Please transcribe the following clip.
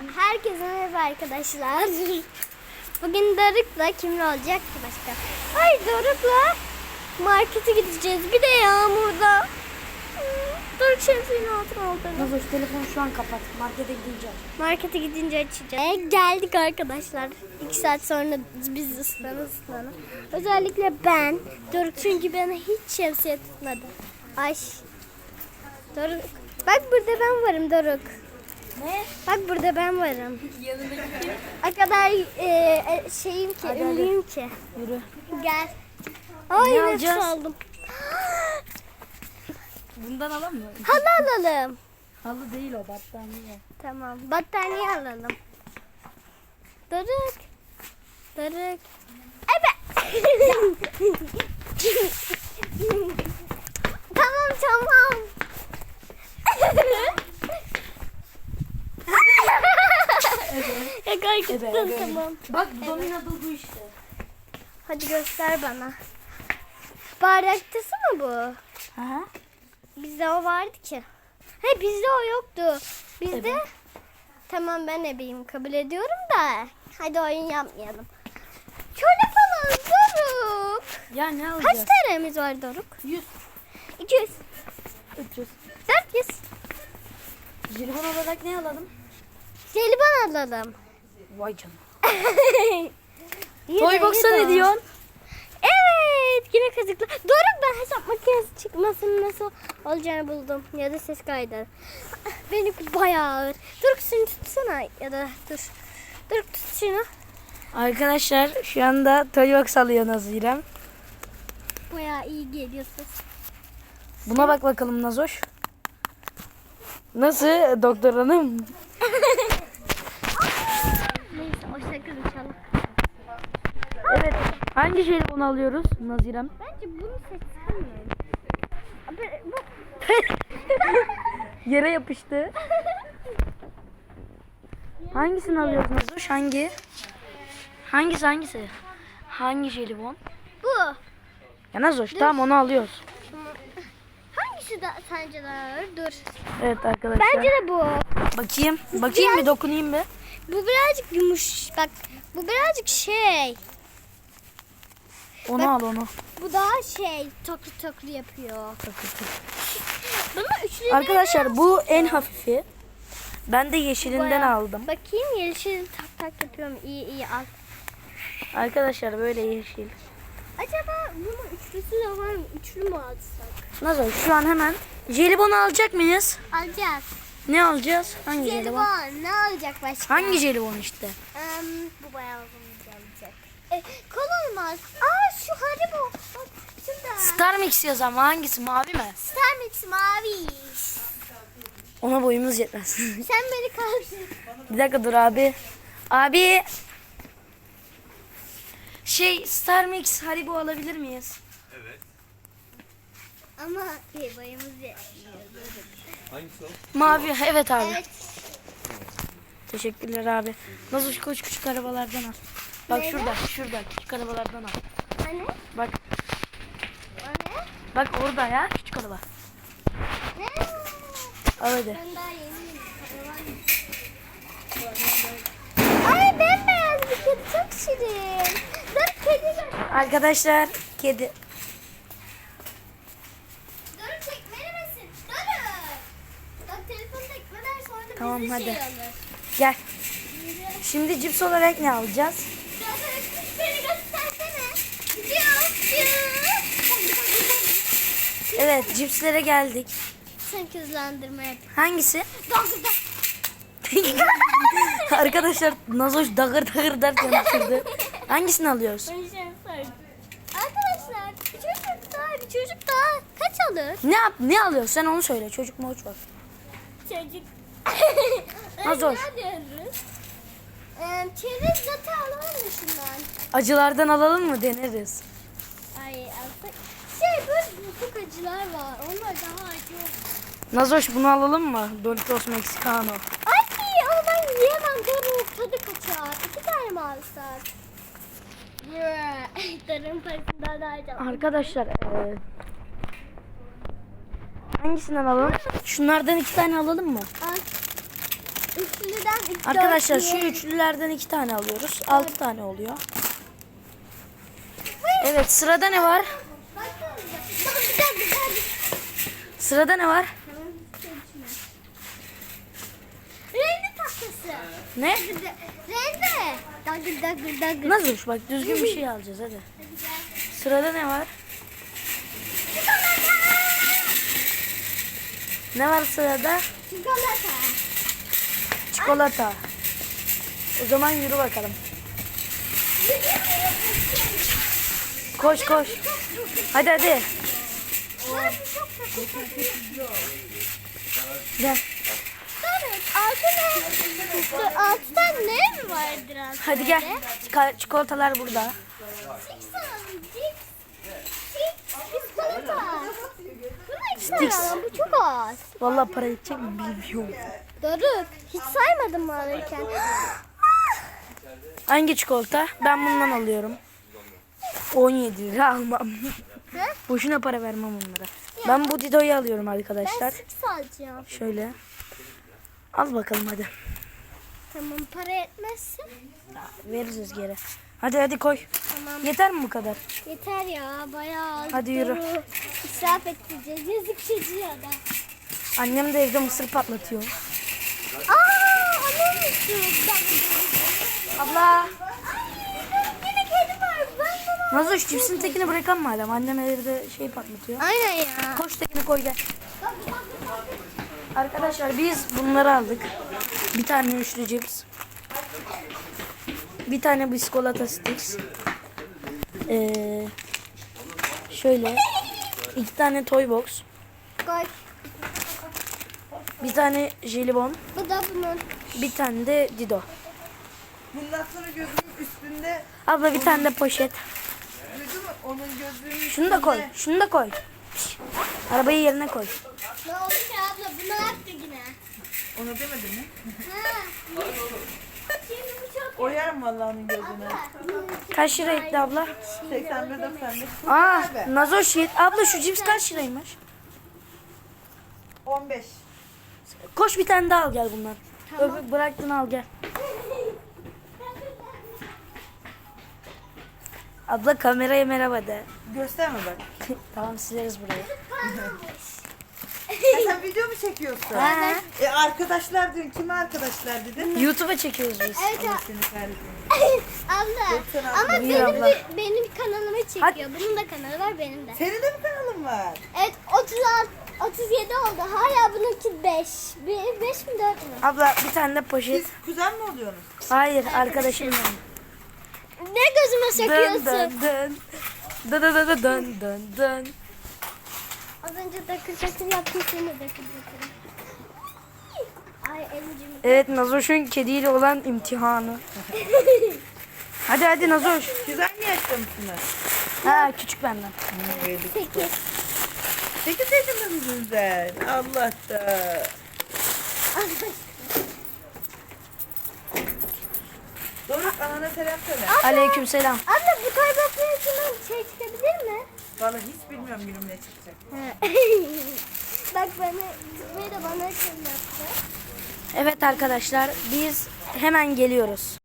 Herkese merhaba arkadaşlar. Bugün Doruk'la kimle olacak ki başka? Ay Doruk'la markete gideceğiz. Bir de yağmurda. Doruk şemsiyenin altına oldu. Nazoş telefonu şu an kapat. Markete gideceğiz. Markete gidince açacağız. Geldik arkadaşlar. 2 saat sonra biz ıslana. Özellikle ben. Doruk çünkü bana hiç şemsiye tutmadı. Ay. Doruk. Bak burada ben varım Doruk. Ne? Bak burada ben varım. Yanındaki kim? O kadar şeyim ki, ünlüyüm ki. Yürü. Gel. Ay Ne nefes alacağız? aldım. Bundan alalım mı? Halı alalım. Halı değil o, battaniye. Tamam. Battaniye alalım. Doruk. Doruk. Evet. tamam. Ya gerçekten Evet. tamam. Bak Dominato bu işte. Hadi göster bana. Bardaktası mı bu? Aha. Bizde o vardı ki. He bizde o yoktu. Bizde Evet. tamam ben ebeyim kabul ediyorum da. Hadi oyun yapmayalım. Şöyle falan Doruk. Ya ne Kaç alacağız? TL'miz var Doruk? 100. 200. 300. 400. Jelibon olarak ne alalım? Jelibon alalım. Vay canına. Yine, Toy box'a yine ne o. diyorsun? Evet yine kazıklı. Doruk ben hesap makinesi çıkmasının nasıl olacağını buldum. Ya da ses kaydı. Benimki bayağı ağır. Doruk şunu tutsana ya da dur. Doruk tut şunu. Arkadaşlar şu anda Toy box alıyor Nazirem. Bayağı iyi geliyor ses. Buna bak bakalım Nazoş. Nasıl doktor hanım? Neyse o şaka inşallah. Evet. Hangi jelibonu alıyoruz Nazirem? Bence bunu seçsem mi? Bu... Yere yapıştı. Hangisini alıyoruz Nazoş? Hangi? Hangisi? Hangi jelibon? bu. Ya Nazoş tamam onu alıyoruz. Hangisi de sence daha ağır? Dur. Evet arkadaşlar. Bence de bu. Bakayım bir dokunayım bir. Bu birazcık yumuş. Bak bu birazcık şey. Onu al onu. Bu daha şey toklu yapıyor. Bana üçlü Arkadaşlar bu en hafifi. Ben de yeşilinden bayağı- aldım. Bakayım yeşil tak yapıyorum. İyi al. Arkadaşlar böyle yeşil. Acaba bunun üçlüsü de var mı? Üçlü mü alsak? Nazoş şu an hemen jelibonu alacak mıyız? Alacağız. Ne alacağız? Hangi jelibon? Jelibon ne alacak başka? Hangi jelibon işte? Bu bayağı uzun gelecek. Kol olmaz. Aa şu Haribo. Bak şurada. Star Mix yaz ama hangisi, mavi mi? Star Mix mavi. Ona boyumuz yetmez. Sen beni kaldır. Bir dakika dur abi. Abi. Star Mix Haribo alabilir miyiz? Ama boyumuz yetmiyor. Hangisi o? Mavi, evet abi. Evet. Teşekkürler abi. Nazoş koş küçük arabalardan al. Bak Nerede? şurada küçük arabalardan al. Anne? Bak Anne? bak orada ya küçük araba. Ne? Al hadi. Ben daha yeniyim. Ay bembeyaz bir kedi çok şirin. Dur kedi gör. Arkadaşlar kedi. Dur tekmelemesin. Dur. Bak telefonu tekmeler sonra Tamam, bizi hadi. şey alır. Gel. Şimdi cips olarak ne alacağız? Beni göstersene. Evet cipslere geldik. Sen kızlandırma yap. Hangisi? Doktor. Arkadaşlar Nazoş dağır derken düşürdü. Hangisini alıyoruz? Arkadaşlar bir çocuk daha kaç alır? Ne alıyoruz? Sen onu söyle. Çocuk mu uç bak. Çocuk. Nazoş. Ne diyoruz? Çerez zaten alalım mı şundan? Acılardan alalım mı, deneriz. Ay alsak. Böyle çok acılar var. Onlar daha acı olur. Nazoş bunu alalım mı? Doritos Mexicano. Ay ama ben yiyemem. Dur tadı kaçar. 2 tane mi alsak? Tarım parasından daha acı. Arkadaşlar hangisinden alalım? Şunlardan 2 tane alalım mı? Al. Üçlüden 3 Arkadaşlar şu üçlülerden 2 tane alıyoruz. 6 tane oluyor. Evet, sırada ne var? Sırada ne var? Renkli tahtası. Ne? Renkli. Dagır dagır dagır. Nasıl? Bak düzgün bir şey alacağız hadi. Sırada ne var? Ne var sırada? Çikolata. Çikolata. O zaman yürü bakalım. Koş koş. Hadi hadi. Gel. Altı tane ne mi vardır altı? Hadi gel. Çikolatalar burada. Sticks. Bu çok az. Vallahi para edecek mi bilmiyorum. Doruk, hiç saymadın mı alırken? Hangi çikolata? Ben bundan alıyorum. 17 lira almam. He? Boşuna para vermem onlara. Ben bu Dido'yu alıyorum arkadaşlar. Ben six alacağım. Şöyle. Al bakalım hadi. Tamam, para etmezse. Veririz geri. Hadi hadi koy. Tamam. Yeter mi bu kadar? Yeter ya, bayağı az. Hadi yürü. Doruk, İsraf ettireceğiz. Yazık çocuğa da. Annem de evde mısır patlatıyor. Annem istiyor. Abla. Yine kedi var. Ben bunu... Nazoş cipsin tekini bırakan madem. Annem evde şey patlatıyor. Aynen ya. Koş tekini koy gel. Arkadaşlar biz bunları aldık. Bir tane üçlü cips. Bir tane biskolata sticks. Şöyle. 2 tane toy box. Koy. Bir tane jelibon. Bu da bunun. Bir tane de Dido. Bundan sonra gözümün üstünde Abla bir tane de poşet. duydun mu? Onun gözlüğünün Şunu da koy. Şunu da koy. Şş, arabayı yerine koy. Ne oldu ki abla? Bunu yaptı yine. Ona demedin mi? Ha. Şimdi bu çok... Oyarım vallahi onun gözüne. Kaç lira etti abla? 81-95. Aa, Nazoş abla şu cips kaç liraymış? 15. Koş bir tane daha al gel bundan. Öbür bıraktın al gel. Abla kameraya merhaba de. Gösterme bak. Tamam sileriz burayı. Sen video mu çekiyorsun? Ha. Arkadaşlar dün kime arkadaşlar dedin? YouTube'a çekiyoruz biz. Evet Allah seni kahretsin. abla. Doksan Ama Buyur benim, abla. benim kanalımı çekiyor. Hadi. Bunun da kanalı var, benim de. Senin de mi kanalın var? Evet, 37 oldu. Hala bununki 5. 5 mi 4 mü? Abla bir tane de poşet. Siz kuzen mi oluyorsunuz? Hayır arkadaşım benim. Ne gözüme Dön sokuyorsun? dön dön. Dön dön dön dön dön dön. Az önce dakır dakır yaptım, seni dakır dakır. Ay elimcim. Evet Nazoş'un kediyle olan imtihanı. Hadi hadi Nazoş. Siz aynı yaşta mısınız? Ha küçük benden. 8. 8 yaşında mısın sen? Allah da. Doruk anana selam söyle. Aleykümselam. Abla bu kayboltmanın içinden şey çıkabilir mi? Vallahi hiç bilmiyorum günüm ne çıkacak. Bak bana, bana kim yaptı? Evet arkadaşlar biz hemen geliyoruz.